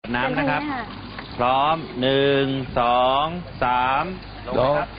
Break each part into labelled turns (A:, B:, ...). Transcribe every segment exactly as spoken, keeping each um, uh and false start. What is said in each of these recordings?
A: น้ำนะครับพร้อมหนึ่งสองสามลงครับ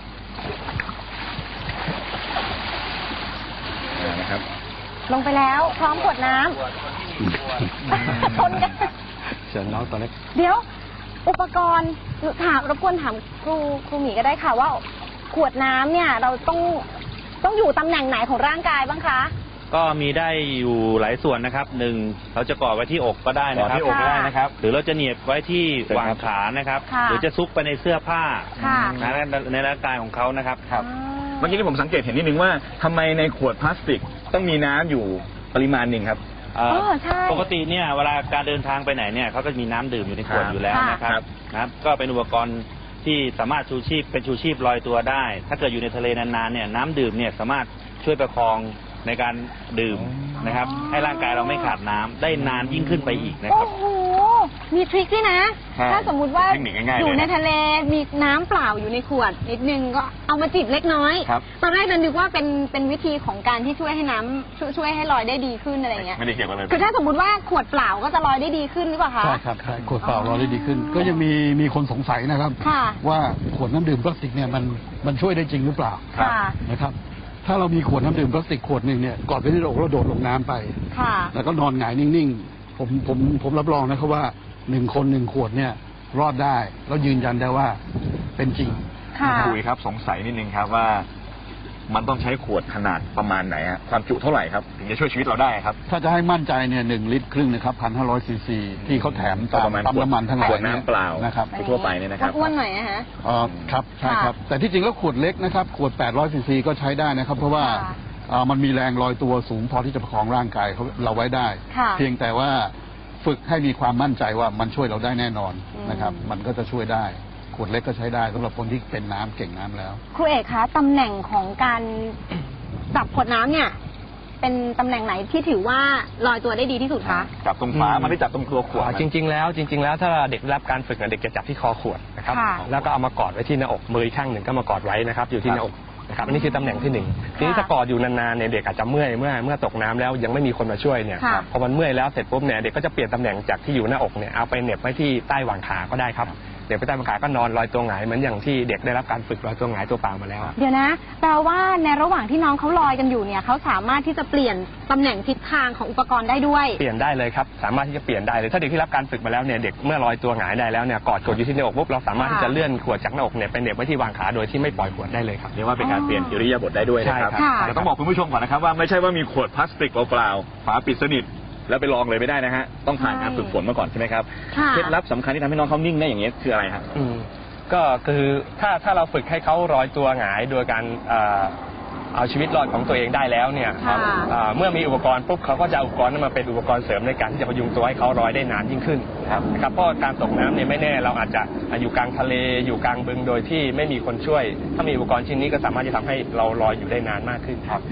B: นะครับ
C: ลงไปแล้วพร้อมขวดน้ำชนกัน
B: เชิญน้องตัวเล็ก
C: เดี๋ยวอุปกรณ์ถามรบกวนถามครูครูหมีก็ได้ค่ะว่าขวดน้ำเนี่ยเราต้องต้องอยู่ตำแหน่งไหนของร่างกายบ้างคะ
A: ก็มีได้อยู่หลายส่วนนะครับหนึ่งเราจะก่อไว้ที่อกก็ได้นะครับ
B: ที่อกก็ได้นะครับ
A: หรือเราจะเหนียบไว้ที่หว่างขานะครับหรือจะซุกไปในเสื้อผ้าในร่างกายของเขานะครับ
B: ครับเมื่อกี้ที่ผมสังเกตเห็นนิดนึงว่าทำไมในขวดพลาสติกต้องมีน้ำอยู่ปริมาณหนึ่งครับ
A: ปกติเนี่ยเวลาการเดินทางไปไหนเนี่ยเขาก็มีน้ำดื่มอยู่ในขวดอยู่แล้วนะครับนะครับก็เป็นอุปกรณ์ที่สามารถชูชีพเป็นชูชีพลอยตัวได้ถ้าเกิดอยู่ในทะเลนานๆเนี่ยน้ำดื่มเนี่ยสามารถช่วยประคองในการดื่มนะครับให้ร่างกายเราไม่ขาดน้ำได้นานยิ่งขึ้นไปอีกนะครับ
C: โอ้โหมีทริคด้วยนะถ้าสมมุติว่าอยู่ในทะเลมีน้ำเปล่าอยู่ในขวดนิดนึงก็เอามาจิบเล็กน้อยตอนแรกนึกว่าเป็นเป็นวิธีของการที่ช่วยให้น้ำช่วยช่วยให้ลอยได้ดีขึ้นอะไรเงี้ย
B: ไม่ได้เกี่ยวกันเลย
C: คือถ้าสมมติว่าขวดเปล่าก็จะลอยได้ดีขึ้นหรือเปล่าคะ
D: ใช่ครับใช่ขวดเปล่าลอยได้ดีขึ้นก็ยังมีมีคนสงสัยนะครับว่าขวดน้ำดื่มพลาสติกเนี่ยมันมันช่วยได้จริงหรือเปล่านะครับถ้าเรามีขวดน้ำดื่มพลาสติกขวดหนึ่งเนี่ยกอดไปที่อกแล้วโดดลงน้ำไปแล้วก็นอนหงายนิ่งๆผมผมผมรับรองนะครับว่าหนึ่งคนหนึ่งขวดเนี่ยรอดได้แล้วยืนยันได้ว่าเป็นจริง
B: คุยครับสงสัยนิดนึงครับว่ามันต้องใช้ขวดขนาดประมาณไหนฮะความจุเท่าไหร่ครับถึงจะช่วยชีวิตเราได้ครับ
D: ถ้าจะให้มั่นใจเนี่ยหนึ่งลิตรครึ่งนะครับพันห้าร้อยซีซีที่เขาแถมตามปั๊มน้ำมันทั้งหลาย
B: น้ำเปล่า
D: นะครับ
B: ทั่วไปเนี่ยนะครับ
C: อ้วนหน่อยนะฮะ
D: อ๋อครับใช่ครับแต่ที่จริงแล้วขวดเล็กนะครับขวดแปดร้อยซีซีก็ใช้ได้นะครับเพราะว่ามันมีแรงลอยตัวสูงพอที่จะประคองร่างกายเราไว้ได้เพียงแต่ว่าฝึกให้มีความมั่นใจว่ามันช่วยเราได้แน่นอนนะครับมันก็จะช่วยได้ขวดเล็กก็ใช้ได้สำหรับคนที่เป็นน้ำเก่งน้ำแล้ว
C: ครูเอกคะตำแหน่งของการจับขวดน้ำเนี่ยเป็นตำแหน่งไหนที่ถือว่าลอยตัวได้ดีที่สุดคะ
B: จับตรงฝามันไม่จับตรงตัวขวด
E: จริงๆแล้วจริงๆแล้วถ้าเด็กได้รับการฝึกเด็กจะจับที่คอขวดนะครับแล้วก็เอามากอดไว้ที่หน้าอกมืออีกข้างหนึ่งก็มากอดไว้นะครับอยู่ที่หน้าอกนะครับอันนี้คือตำแหน่งที่หนึ่งทีนี้ถ้ากอดอยู่นานๆเนี่ยเด็กอาจจะเมื่อยเมื่อเมื่อตกน้ำแล้วยังไม่มีคนมาช่วยเนี่ยพอมันเมื่อยแล้วเสร็จปุ๊บเนี่ยเด็กก็จะเปลี่ยนตำแหน่งจากที่อยู่หน้าอกเนี่ยเอาไปเหน็บไว้ที่ใต้หว่างขาก็ได้ครับเด็กไปใต้หว่างขาก็นอนลอยตัวหงายเหมือนอย่างที่เด็กได้รับการฝึกลอยตัวหงายตัวเปล่ามาแล้ว
C: เดี๋ยวนะแปลว่าในระหว่างที่น้องเขาลอยกันอยู่เนี่ยเขาสามารถที่จะเปลี่ยนตำแหน่งทิศทางของอุปกรณ์ได้ด้วย
E: เปลี่ยนได้เลยครับสามารถที่จะเปลี่ยนได้เลยถ้าเด็กที่รับการฝึกมาแล้วเนี่ยเด็กเมื่อลอยตัวหงายได้แล้วเนี่ยกอดกดอยู่ที่หน้าอกปุ๊บเราสามารถที่จะเลื่อนขวดจากหน้าอกเนี่ยไปเหน็บไว้ที่วางขาโดยที่ไม่ปล่อยขวดได้เลยครับ
B: เรียกว่าเป็นการเปลี่ยนอิริยาบถได้ด้วยนะครับแต่ต้องบอกคุณผู้ชมก่อนนะครับว่าไม่ใช่ว่ามีขวดพลาสติกเปล่าๆฝาปิดสนิทแล้วไปลองเลยไม่ได้นะฮะต้องผ่านการฝึกฝนมาก่อนใช่ไหมครับเคล็ดลับสำคัญที่ทำให้น้องเขานิ่งได้อย่างนี้คืออะไรครับ
E: ก็คือถ้าถ้าเราฝึกให้เขาลอยตัวหงายโดยการเอาชีวิตรอดของตัวเองได้แล้วเนี่ยเมื่อมีอุปกรณ์ปุ๊บเขาก็จะเอาอุปกรณ์นั้นมาเป็นอุปกรณ์เสริมในการที่จะพยุงตัวให้เขาลอยได้นานยิ่งขึ้นนะครับเพราะการตกน้ำเนี่ยไม่แน่เราอาจจะอยู่กลางทะเลอยู่กลางบึงโดยที่ไม่มีคนช่วยถ้ามีอุปกรณ์ชิ้นนี้ก็สามารถจะทำให้เราลอยอยู่ได้นานมากขึ้นครับ